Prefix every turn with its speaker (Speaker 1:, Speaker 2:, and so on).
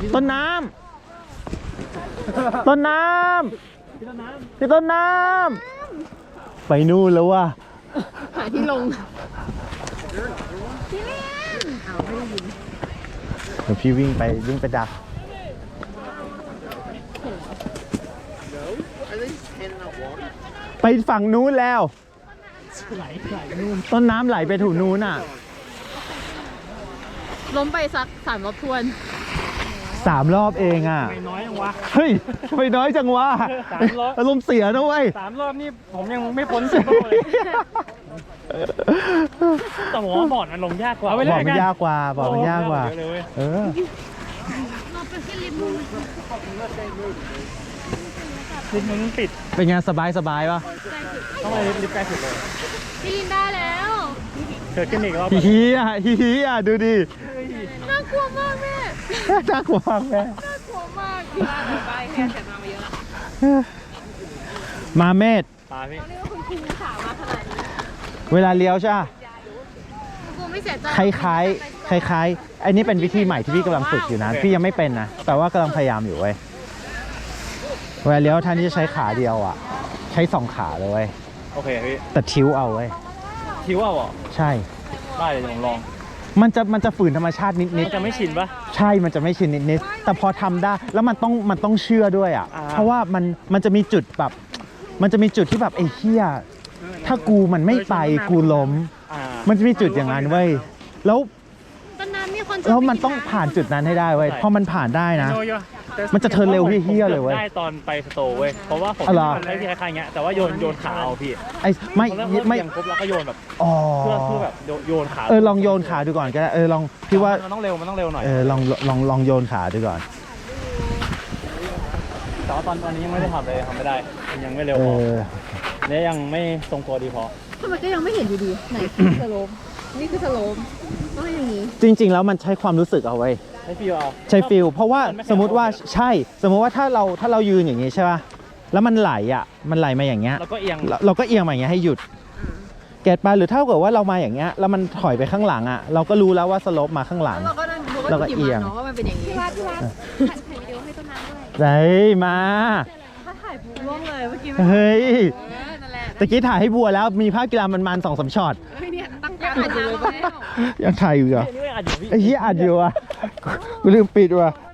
Speaker 1: ต้นน้ำต้นน้ำพี่ต้นน้ำไปนู่นแล้วว่ะ
Speaker 2: หาที่ลงพี่เล่นเอาไม่ได้ยิน
Speaker 1: เดี๋ยวพี่วิ่งไปดักไปฝั่งนู้นแล้วไหลนู่นต้นน้ำไหลไปถูนู้นอ่ะ
Speaker 2: ล้มไปสัก3 รอบทวน
Speaker 1: 3 รอบเองอ่ะ
Speaker 3: ไม่น้อยจังวะ
Speaker 1: เฮ้ยไม่น้อยจังวะ3 รอบอารมณ์เสียนะเว้ย
Speaker 3: 3 รอบนี่ผมยังไม่พ้น10 รอบเลยแต่ผมว่าบอร์ดมันลงยากกว่า
Speaker 1: บอร์ดมันยากกว่าบอร์ดมันยากกว่า
Speaker 3: ลิฟต์มันปิด
Speaker 1: เป็นไงสบายป่ะ
Speaker 3: ต้องไปลิฟต์ใกล้สุดเลย
Speaker 2: พี่ลินได้แล้ว
Speaker 3: เกิดขึ้นอีกรอบ
Speaker 1: ฮีดูดิ
Speaker 2: น่ากลัวมากแม่
Speaker 1: น่ากลัวมากแม่
Speaker 2: น่ากลัวมากที่บ้านเราไปแค่แต่มาเยอะ
Speaker 1: มาเมธ
Speaker 3: ตาพี่
Speaker 2: เรียกว่าคุณครูขามาขนาดนี้
Speaker 1: เวลาเลี้ยวใช่ไหม
Speaker 2: ครูไม่เสียใจ
Speaker 1: คล้ายอันนี้เป็นวิธีใหม่ที่พี่กำลังฝึกอยู่นะพี่ยังไม่เป็นนะแต่ว่ากำลังพยายามอยู่เว้ยเวลาเลี้ยวท่านที่จะใช้ขาเดียวอ่ะใช้2 ขาเลยเว้ย
Speaker 3: โอเคพี่
Speaker 1: แต่ทิ้วเอาเว้ย
Speaker 3: ทิ้วเอาเหรอ
Speaker 1: ใช่
Speaker 3: ได้เดี๋ยวผมลอง
Speaker 1: มันจะฝืนธรรมชาตินิด
Speaker 3: จะไม่ชินปะ
Speaker 1: ใช่มันจะไม่ชินนิดแต่พอทำได้แล้วมันต้องเชื่อด้วยอ่ะเพราะว่ามันจะมีจุดแบบมันจะมีจุดที่แบบไอ้เหี้ยถ้ามันไม่ไปกูล้มมันจะมีจุดอย่างนั้นเว้ยแล้วมันต้องผ่านจุดนั้นให้ได้เว้ยพอมันผ่านได้นะมันจะเทิร์นเร็วเฮี้ยเลยเว้ย
Speaker 3: ได้ตอนไปสโตร์เว้ยเพราะว่าผมมันได้ที่คล้ายๆเงี้ยแต่ว่าโยนขาเอาพี่ไม่ครบแล้วก็โยนแบบเพื่อแบบโยนขา
Speaker 1: ลองโยนขาดูก่อนก็ได้ลองพี่ว่า
Speaker 3: มันต้องเร็วหน่อย
Speaker 1: ลองโยนขาดูก่อน
Speaker 3: แต่ว่าตอนนี้ยังไม่ได้ทำเลยทำไม่ได้ยังไม่เร็วพอเนี่ยยังไม่ทรงตัวดีพอ
Speaker 2: ทำไมก็ยังไม่เห็นอยู่ดีไหนสโลมนี่คือสโลมต้องอย่างนี้
Speaker 1: จริงๆแล้วมันใช้ความรู้สึกเอาไว้
Speaker 3: ใช้ฟิลเอา
Speaker 1: เพราะว่าสมมุติว่าถ้าเรายืนอย่างนี้ใช่ป่ะแล้วมันไหลมาอย่างเงี้ย
Speaker 3: เราก็เอีย
Speaker 1: งมาอย่างเงี้ยให้หยุดเก็ตป่ะหรือเท่ากับว่าเรามาอย่างเงี้ยแล้วมันถอยไปข้างหลังอ่ะเราก็รู้แล้วว่าสโลปมาข้างหลังเราก็เอียง
Speaker 2: ว่ามันเป็นอย่างนี้พี่วัดถ่ายวิดีโอให้ต้นน้ำด้วย
Speaker 1: ได้มา
Speaker 2: ถ้าถ่ายปุ๊บล่วงเลยเมื่อกี้
Speaker 1: เฮ้ยตะกี้ถ่ายให้บัวแล้วมีภาพกีฬามัน2-3 ช็อต
Speaker 2: เนี่ยตั้งยังถ่ายอยู่เลย
Speaker 1: ยังถ่ายอยู่เหรอไอ้เหี้ยอัดอยู่อ่ะกูลืมปิดว่ะ